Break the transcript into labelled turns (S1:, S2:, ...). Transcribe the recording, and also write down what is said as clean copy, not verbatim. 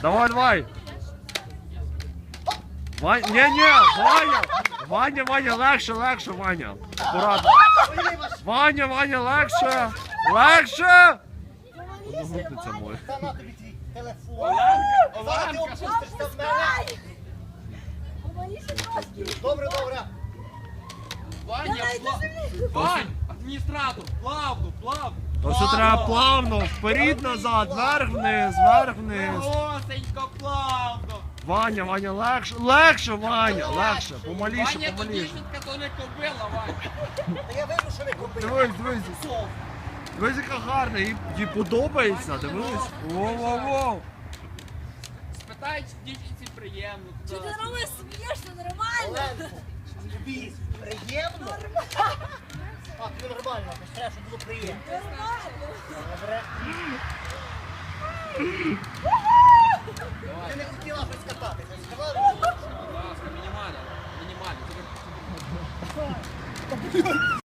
S1: Давай, давай. Ваня, ні, Ваня, легше, Ваня. Аккуратно. Ваня, легше. Одногрупниця моя.
S2: Та на тобі твій телефон. Зараз ти опустишся в мене. Добре.
S3: Вань, адміністратор, плавно.
S1: Ось треба плавно, вперед, назад, вверх-вниз.
S3: Госенько, плавно.
S1: Ваня, легше, помаліше.
S3: Ваня, то дівчинка, то не кобила, Ваня.
S2: Та я вижу, що не купив.
S1: Дивись, яка гарна, їй подобається, дивись. Воу.
S3: Спитай, чи дівчинці приємно.
S4: Чи ти робиш смішно, нормально?
S2: Оленко, тобі приємно? А, тобі нормально, ти ж треба, щоб було приємно.
S4: Нормально.
S2: Добре. Ти не хотіла щось кататися, сказала?
S3: Будь ласка, мінімально.